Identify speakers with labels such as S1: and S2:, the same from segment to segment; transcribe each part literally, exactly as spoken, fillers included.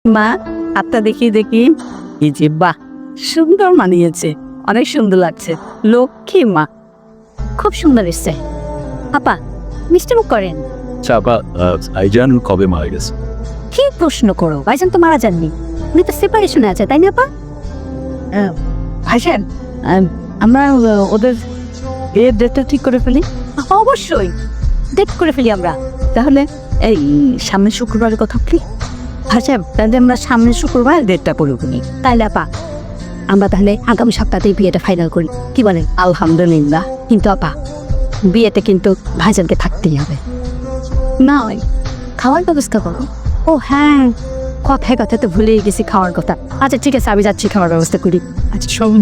S1: মা হাতটা দেখি দেখি এই যে বাহ সুন্দর মানিয়েছে, অনেক সুন্দর লাগছে। লক্ষ্মী মা,
S2: খুব সুন্দর এসছে। আপা মিষ্টি মুখ করেন।
S3: আচ্ছা আপা, আইজান কবে মারা গেছে?
S2: কি প্রশ্ন করো, ভাইজান তো মারা যাননি, উনি তো সেপারেশনে আছে, তাই না আপা?
S1: ভাইজান আহ, আমরা আহ, ওদের বিয়ের ডেটটা ঠিক করে ফেলি।
S2: অবশ্যই ডেট করে ফেলি আমরা।
S1: তাহলে এই সামনের শুক্রবারের কথা কি? ভাইজান তাহলে আমরা সামনের শুক্রবার ডেটটা করে ফেলি।
S2: তাইলে আপা আমরা তাহলে আগামী সপ্তাহতেই বিয়েটা ফাইনাল করি, কি বলেন?
S1: আলহামদুলিল্লাহ।
S2: কিন্তু আপা বিয়েতে কিন্তু ভাইজানকে থাকতেই হবে।
S1: না ওই
S2: খাওয়ার ব্যবস্থা করো। ও হ্যাঁ, কথায় কথা তো ভুলেই গেছি খাওয়ার কথা। আচ্ছা ঠিক আছে, আমি যাচ্ছি খাওয়ার ব্যবস্থা করি।
S1: আচ্ছা শোন,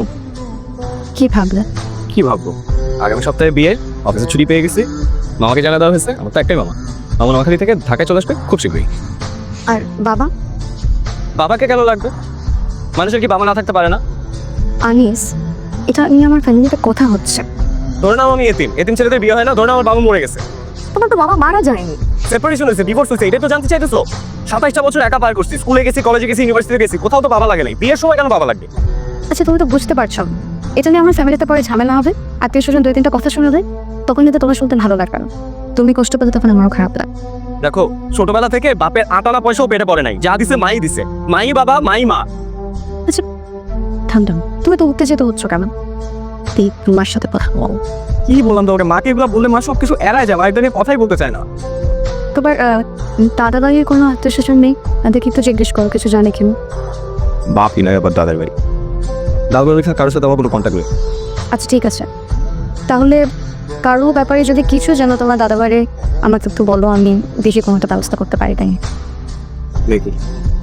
S2: কি ভাবলেন?
S3: কি ভাববো, আগামী সপ্তাহে বিয়ে, অফিসে ছুটি পেয়ে গেছি, মামাকে জানা দেওয়া হয়েছে। আমার তো একটাই মামা, মামা নোয়াখালী থেকে ঢাকায় চলে আসবে খুব শীঘ্রই।
S2: আর বাবা?
S3: বাবাকে কেন লাগবে? মানুষের কি বাবা না থাকতে পারে না?
S2: আনিস, এটা নিয়ে আমার ফ্যামিলিতে কথা হচ্ছে।
S3: ধরে নাও আমি এতিম, এতিম ছেলেদের বিয়ে হয় না। ধরে নাও আমার বাবা মরে গেছে,
S2: তোমার তো বাবা মারা যায়নি,
S3: সেপারেশন হয়েছে, ডিভোর্স হয়েছে, এটা তো জানতে চাইতেছো? সাতাইশটা বছর একা পার করছি, স্কুলে গেছি, কলেজে গেছি, ইউনিভার্সিটিতে গেছি, কোথাও তো বাবা লাগে নাই। বিয়ের সময় কেন বাবা লাগবে?
S2: আচ্ছা তুমি তো বুঝতে পারছো এটা নিয়ে আমার ফ্যামিলিতে পরে ঝামেলা হবে, আত্মীয় স্বজন দুই তিনটা কথা শুনে দেয়, তখন কিন্তু তোমার শুনতে ভালো লাগবে না। তুমি কষ্ট পেলে তখন আমারও খারাপ লাগে।
S3: দেখো, ছোটবেলা থেকে বাপের আটানা পয়সাও পেটে পড়ে নাই, যা দিছে মাই দিছে। মাই বাবা, মাই মা।
S2: আচ্ছা থাম থাম, তুমি তো উত্তেজিত হচ্ছ কেন? তুই তোমার সাথে কথা বল।
S3: কি বললাম তোমাকে, মাকে এগুলো বললে মা সব কিছু এড়ায় যায়, মা এটা নিয়ে কথাই বলতে চায় না।
S2: তোমার দাদা দাদির কোনো আত্মীয় স্বজন নেই? তাদেরকে একটু জিজ্ঞেস করো কিছু জানে কেন।
S3: বাপই নয়, আবার দাদার বাড়ি। দাদার বাড়ি কারোর সাথে আমার কোনো কন্ট্যাক্ট নেই।
S2: আচ্ছা ঠিক আছে, তাহলে কারো ব্যাপারে যদি কিছু জানো তোমার দাদা বাড়ি আমাকে একটু বলো, আমি বেশি কোনো একটা ব্যবস্থা করতে পারি। তাই
S3: দেখি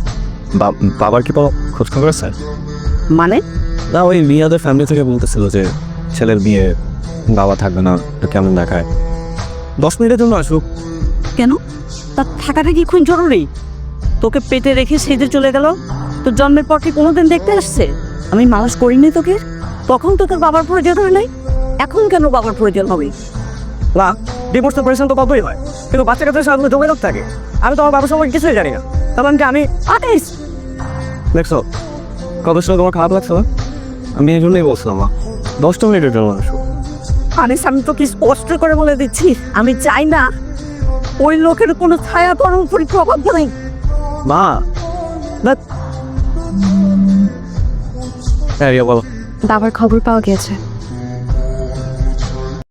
S3: বাবার কি কোনো খোঁজ খবর আছে?
S1: মানে
S3: না, ওই মিয়াদের ফ্যামিলি থেকে বলতেছিল যে ছেলের বিয়ে, বাবা থাকবে না, এটা কেমন দেখায়। দশ মিনিটের জন্য আসুক।
S1: কেন? তার থাকাটা কি খুব জরুরি? তোকে পেটে রেখে সেজে চলে গেল, তোর জন্মের পর কি কোনোদিন দেখতে আসছে? আমি মানুষ করিনি তোকে, তখন তো তোর বাবার প্রয়োজন হয় নাই, এখন কেন বাবার প্রয়োজন হবে?
S3: না, ডিভোর্স সেপারেশন তো পাবই হয়, কিন্তু বাচ্চা কাচ্চার সাথে যোগাযোগ থাকে। আমি তো আমার বাবার সম্পর্কে কিছুই জানি না, তাহলে আমি আমি
S1: আদেশ
S3: দেখছো কত সময় তোমার খারাপ লাগছে? আমি এই জন্যই বলছিলাম মা, দশটা মিনিটের জন্য আসুক।
S1: আনিস, আমি তো কি স্পষ্ট করে বলে দিচ্ছি, আমি চাই না ওই লোকের কোনো ছায়া তোর উপর প্রভাব পড়ে।
S3: মা না, হ্যাঁ রিয়া বলো।
S2: বাবার খবর পাওয়া গিয়েছে,